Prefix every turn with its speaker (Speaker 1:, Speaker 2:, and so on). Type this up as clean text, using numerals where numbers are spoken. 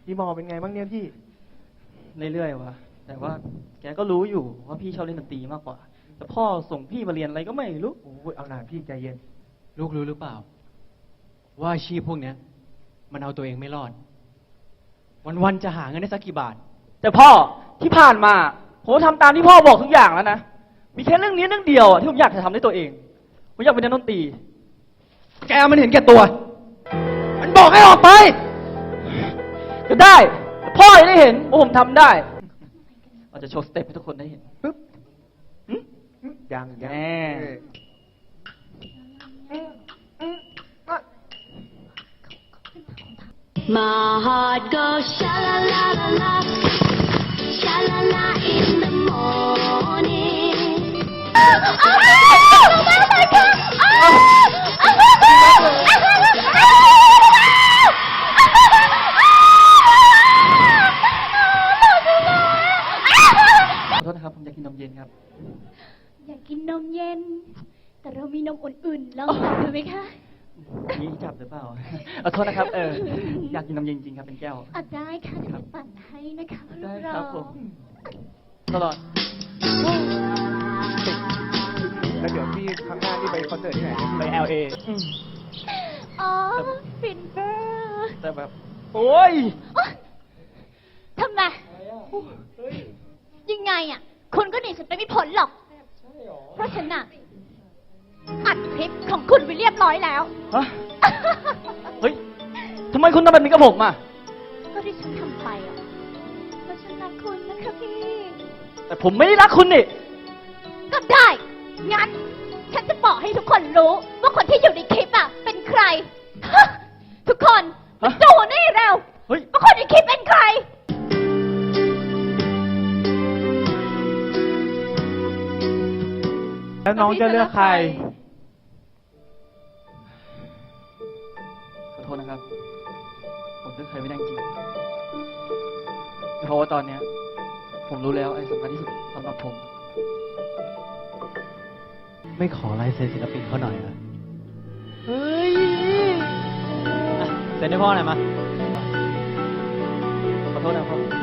Speaker 1: คีย์บอร์ดเป็นไงบ้างเนี่ยพี่
Speaker 2: เรื่อยๆวะแต่ว่าแกก็รู้อยู่ว่าพี่ชอบเล่นดนตรีมากกว่าแต่พ่อส่งพี่มาเรียนอะไรก็ไม่รู้
Speaker 1: โอ้ยเอาหน่าพี่ใจเย็น
Speaker 3: ลูกรู้หรือเปล่าว่าอาชีพพวกเนี้ยมันเอาตัวเองไม่รอดวันๆจะหาเงินได้สักกี่บาท
Speaker 2: แต่พ่อที่ผ่านมาผมทำตามที่พ่อบอกทุกอย่างแล้วนะมีแค่เรื่องนี้เรื่องเดียวที่ผมอยากจะทำด้วยตัวเองผมอยากเป็นนักดนตรี
Speaker 3: แกมันเห็นแก่ตัว มันบอกให้ออกไป
Speaker 2: ก็ได้แต่พ่อจะได้เห็นว่าผมทำได้เราจะโชว์สเต็ปให้ทุกคนได้เห็นปึ๊บ
Speaker 1: ยัง
Speaker 4: My heart goes sha la la la la, sha la la in the morning. Oh my God! Oh!
Speaker 2: ขอโทษนะครับผมอยากกินนมเย็นครับ
Speaker 4: อยากกินนมเย็นแต่เรามีนมอุ่นๆลองจับดูไหมคะ
Speaker 2: นี่จับหรือเปล่าขอโทษนะครับอยากกินนมเย็นจริงครับเป็นแก้ว
Speaker 4: ได้ค่ะเดี๋ยวปั่นให้นะคะ
Speaker 2: ได้ครับผมตลอด
Speaker 1: แล้วเดี๋ยวพี่ครั้งหน้านี่ไปคอนเสิร์ตที่ไหน
Speaker 2: ไป LA
Speaker 4: อ๋อฟินเบอร์
Speaker 2: แต่แบบโอ้ย
Speaker 4: ทำไมยังไงอ่ะคุณก็หนีฉันไปไม่พ้นหรอกเพราะฉันน่ะอัดคลิปของคุณไปเรียบร้อยแล้ว
Speaker 2: ฮะเฮ้ยทำไมคุณทำแบบนี้กับผมอ่ะ
Speaker 4: ก็ที่ฉันทำไปอ่ะเพราะฉันรักคุณนะคะพี่
Speaker 2: แต่ผมไม่ได้รักคุณนี่
Speaker 4: ก็ได้งั้นฉันจะบอกให้ทุกคนรู้ว่าคนที่อยู่ในคลิปอ่ะเป็นใครทุกคนดูนี่เร็วว่าคนในคลิปเป็นใคร
Speaker 1: แล้วน้องจะเลือกใคร
Speaker 2: ขอโทษนะครับผมเลือกใครไม่ได้จริงเพราะว่าตอนเนี้ยผมรู้แล้วไอ้สำคัญที่สุดสำหรับผม
Speaker 3: ไม่ขอลายเซ็นศิลปินเขาหน่อยนะ
Speaker 2: เฮ้ย
Speaker 3: เซ็นให้พ่อหน่อยมา
Speaker 2: ขอโทษนะพ่อ